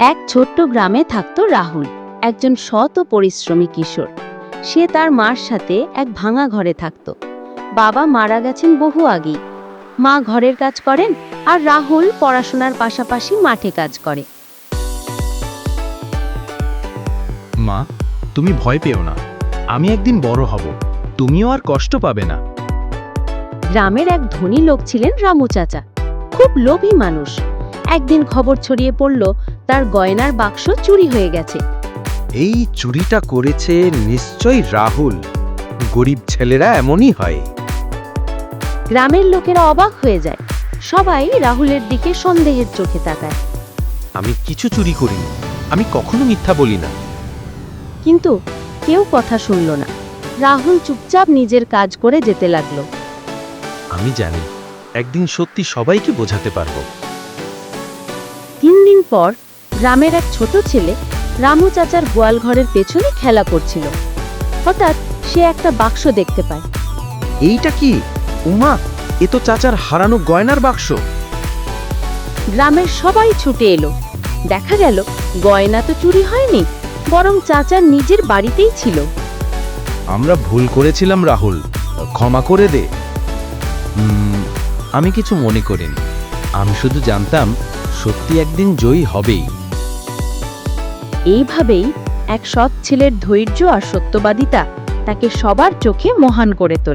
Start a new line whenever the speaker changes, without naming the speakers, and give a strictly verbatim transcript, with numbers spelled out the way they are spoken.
এক ছোট্ট গ্রামে থাকত রাহুল, একজন সৎ ও পরিশ্রমী কিশোর। সে তার মার সাথে এক ভাঙা ঘরে থাকত। বাবা মারা গেছেন বহু আগেই। মা ঘরের কাজ করেন আর রাহুল পড়াশোনার পাশাপাশি মাঠে কাজ করে।
মা, তুমি ভয় পেও না, আমি একদিন বড় হব, তুমিও আর কষ্ট পাবে না।
গ্রামের এক ধনী লোক ছিলেন রামু চাচা, খুব লোভী মানুষ। একদিন খবর ছড়িয়ে পড়ল তার গয়নার বাক্স চুরি হয়ে গেছে।
এই চুরিটা করেছে নিশ্চয়ই রাহুল। গরিব ছেলেরা এমনই হয়।
গ্রামের লোকেরা অবাক হয়ে যায়, সবাই রাহুলের দিকে সন্দেহের চোখে তাকায়।
আমি কিছু চুরি করিনি, আমি কখনো মিথ্যা বলি না।
কিন্তু কেউ কথা শুনল না। রাহুল চুপচাপ নিজের কাজ করে যেতে লাগলো।
আমি জানি একদিন সত্যি সবাইকে বোঝাতে পারবো।
তিন দিন পর গ্রামের এক ছোট ছেলে রামু চাচার গোয়াল ঘরের পেছনে খেলা করছিল। হঠাৎ সে একটা বাক্স দেখতে পায়।
এইটা কি? উমা, এ তো চাচার হারানো গয়নার বাক্স।
গ্রামের সবাই ছুটে এলো। দেখা গেল গয়না তো চুরি হয়নি, বরং চাচার নিজের বাড়িতেই ছিল।
আমরা ভুল করেছিলাম রাহুল, ক্ষমা করে দে। উম, আমি কিছু মনে করিনি, আমি শুধু জানতাম সত্যি একদিন জয়ী হবেই।
এইভাবেই এক সৎ ছেলের ধৈর্য আর সত্যবাদিতা তাকে সবার চোখে মহান করে তোলে।